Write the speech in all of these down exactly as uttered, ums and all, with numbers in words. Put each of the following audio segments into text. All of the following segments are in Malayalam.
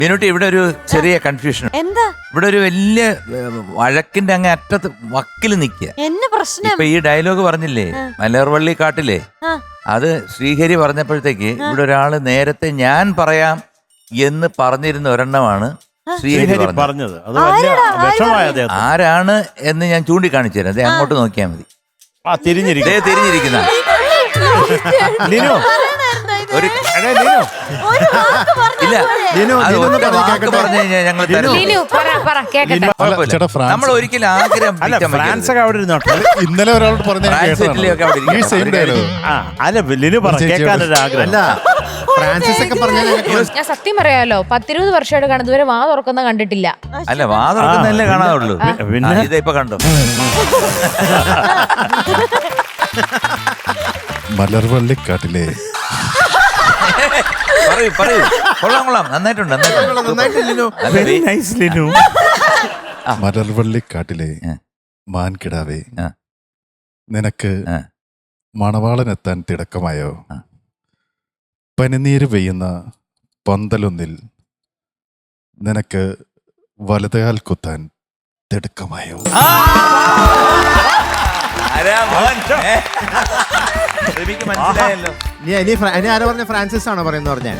മീനുട്ടി, ഇവിടെ ഒരു ചെറിയ കൺഫ്യൂഷൻ. എന്താ? ഇവിടെ ഒരു വലിയ വഴക്കിന്റെ അങ്ങ് അറ്റത്ത് വക്കിൽ നിൽക്കുക. എന്നെ പ്രശ്നം ഇപ്പൊ ഈ ഡയലോഗ് പറഞ്ഞില്ലേ, മലർവള്ളി കാട്ടിലെ, അത് ശ്രീഹരി പറഞ്ഞപ്പോഴത്തേക്ക് ഇവിടെ ഒരാള് നേരത്തെ ഞാൻ പറയാം എന്ന് പറഞ്ഞിരുന്ന ഒരെണ്ണമാണ് ശ്രീഹരി പറഞ്ഞത്. അത് വലിയ വിഷമായ ആരാണ് എന്ന് ഞാൻ ചൂണ്ടിക്കാണിച്ചു തരാം. അതെ, അങ്ങോട്ട് നോക്കിയാൽ മതി. ആ തിരിഞ്ഞിരിക്കും തിരിഞ്ഞിരിക്കുന്ന ഒരു ഇല്ല, പറഞ്ഞു കഴിഞ്ഞാൽ ഞങ്ങൾ നമ്മൾ ഒരിക്കലും ആഗ്രഹം. ഫ്രാൻസൊക്കെ അവിടെ ഇരുന്നോട്ടെ. ഇന്നലെ ഒരാളോട് പറഞ്ഞ ഫ്രാൻസിസ് ഒക്കെ പറഞ്ഞ ഞാൻ സത്യം പറയാലോ, പത്തിരുപത് വർഷമായിട്ട് കാണുന്നത് ഇതുവരെ വാ തുറക്കുന്ന കണ്ടിട്ടില്ല. അല്ല, വാ തുറക്കുന്നല്ലേ കാണാറുള്ളൂ. പിന്നെ ഇപ്പൊ കണ്ടോ? മലർവള്ളിക്കാട്ടിലെ പറയൂ പറയൂ. കൊള്ളാം കൊള്ളാം, നന്നായിട്ടുണ്ട് നന്നായിട്ടുണ്ട്. മലർവള്ളിക്കാട്ടിലെ മാൻകിടാവേ, നിനക്ക് മണവാളനെത്താൻ തിടക്കമായോ? പനിനീര് പെയ്യുന്ന പന്തലൊന്നിൽ നിനക്ക് വലതുകാൽ കുത്താൻ തിടുക്കമായോ? മനസ്സിലായല്ലോ. ആരാ പറഞ്ഞ? ഫ്രാൻസിസ് ആണോ പറയുന്ന പറഞ്ഞ?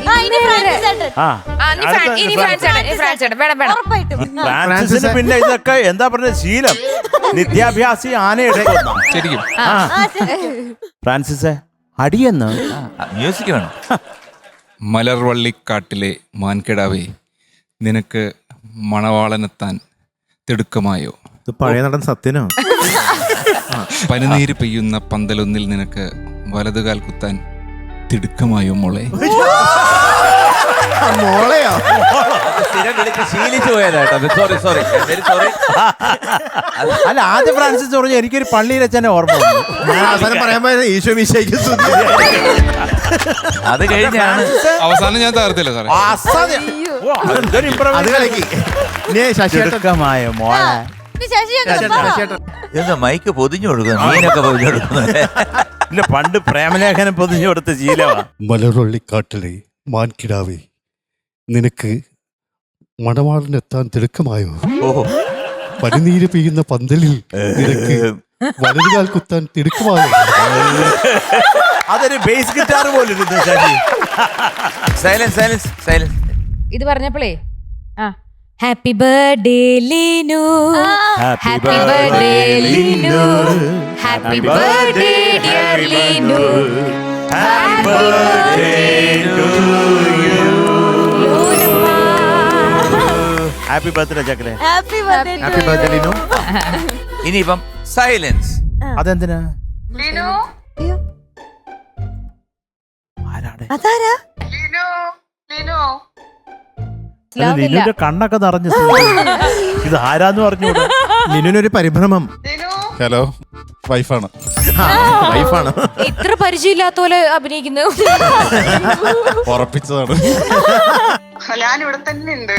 പിന്നെ ഇതൊക്കെ എന്താ പറഞ്ഞ ശീലം, നിത്യാഭ്യാസി ആനയുടെ ശരിക്കും. ഫ്രാൻസിസ് അടിയെന്ന് മ്യൂസിക് വേണം. മലർവള്ളിക്കാട്ടിലെ മാൻകിടാവേ, നിനക്ക് മണവാളനെത്താൻ തിടുക്കമായോ? ഇത് പഴയ നടൻ സത്യനോ? പനിനീര് പെയ്യുന്ന പന്തലൊന്നിൽ നിനക്ക് വലതുകാൽ കുത്താൻ തിടുക്കമായോ മോളെ? മോളെയോ? സ്ഥിരം വിളിച്ച് ശീലിച്ചു പോയതാട്ടോ. Sorry sorry sorry. അല്ല, ആദ്യം ഫ്രാൻസിസ് പറഞ്ഞു എനിക്കൊരു പള്ളിയിൽ വെച്ചാൽ ഓർമ്മ. ഞാൻ അവസാനം പറയാൻ പോയത് ഈശോ മിശിഹായ്ക്ക് സ്തുതി. അത് കഴിഞ്ഞാണ് അവസാനം ഞാൻ തകർത്തില്ല സാറേ. അത് കളിക്ക്. ശശിമായ മോളെ എന്താ മൈക്ക് പൊതിഞ്ഞു കൊടുക്കുന്നു, മീനൊക്കെ പൊതിഞ്ഞു കൊടുക്കുന്നത്. ഇല്ല, പണ്ട് പ്രേമലേഖനം പൊതിഞ്ഞു കൊടുത്ത ശീലമാണ്. മലർവള്ളിക്കാട്ടിലെ മാൻകിടാവേ, നിനക്ക് മണവാളനെത്താൻ തിടുക്കമായോ? ഓഹോ, പനിനീര് പെയ്യുന്ന പന്തലിൽ നിനക്ക് വലതുകാൽ കുത്താൻ തിടുക്കമായോ? അതൊരു ബേസ് ഗിറ്റാർ പോലെ സൈലൻസ് സൈലൻസ് സൈലൻസ്. ഇത് പറഞ്ഞപ്പോഴേ ആ happy birthday Leenu, happy birthday Leenu, happy birthday dear Leenu, happy birthday to you. Happy birthday ചക്കലെ. Happy birthday. Happy birthday Linu. ഇനിയിപ്പം സൈലൻസ്. അതെന്തിനാ? അതാരാ? ലിനുവിന്റെ കണ്ണൊക്കെ നിറഞ്ഞു. ഇത് ആരാന്ന് പറഞ്ഞു. ലിനുവിനൊരു പരിഭ്രമം. ഹലോ, വൈഫാണ്. വൈഫാണ്. ഇത്ര പരിചയമില്ലാത്ത പോലെ അഭിനയിക്കുന്നു. ഉറപ്പിച്ചതാണ്. ഞാനിവിടെ തന്നെ ഉണ്ട്.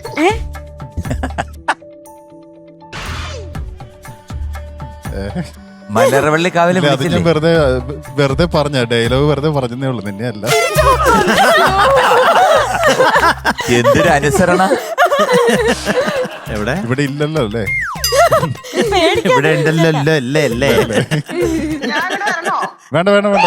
മലർവള്ളി കാവിലെ വെറുതെ വെറുതെ പറഞ്ഞ ഡയലോഗ് വെറുതെ പറഞ്ഞതേ ഉള്ളു, നിന്നെ അല്ല. എന്തൊരു അനുസരണ. എവിടെ? ഇവിടെ ഇല്ലല്ലോ അല്ലേ? ഇവിടെ ഉണ്ടല്ലോ അല്ലേ? അല്ലേ? വേണ്ട വേണ്ട വേണ്ട.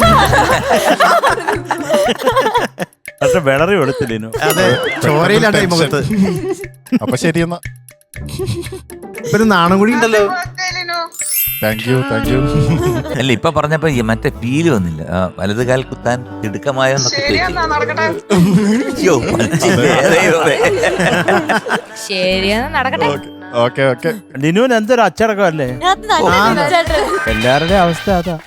പക്ഷെ വിളറി എടുത്തില്ലേനു. അതെ, ചോരയിലാണ് ഈ മുഖത്ത്. അപ്പൊ ശരിയെന്നാ. ഇപ്പൊ നാണം കൂടി ഉണ്ടല്ലോ. Thank you thank you. അല്ല, ഇപ്പൊ പറഞ്ഞപ്പോ മറ്റേ ഫീല് വന്നില്ല. വലതുകാൽ കുത്താൻ തിടുക്കമായോ എന്നൊക്കെ ശരിയാ, നടക്കട്ടെ. Okay okay. ലിനുവിന് എന്തൊരു അച്ചടക്കം അല്ലേ? എല്ലാവരുടെയും അവസ്ഥ അതാ.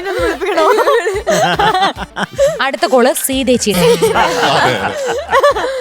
അടുത്ത കോള് സീതേച്ചിയുടെ.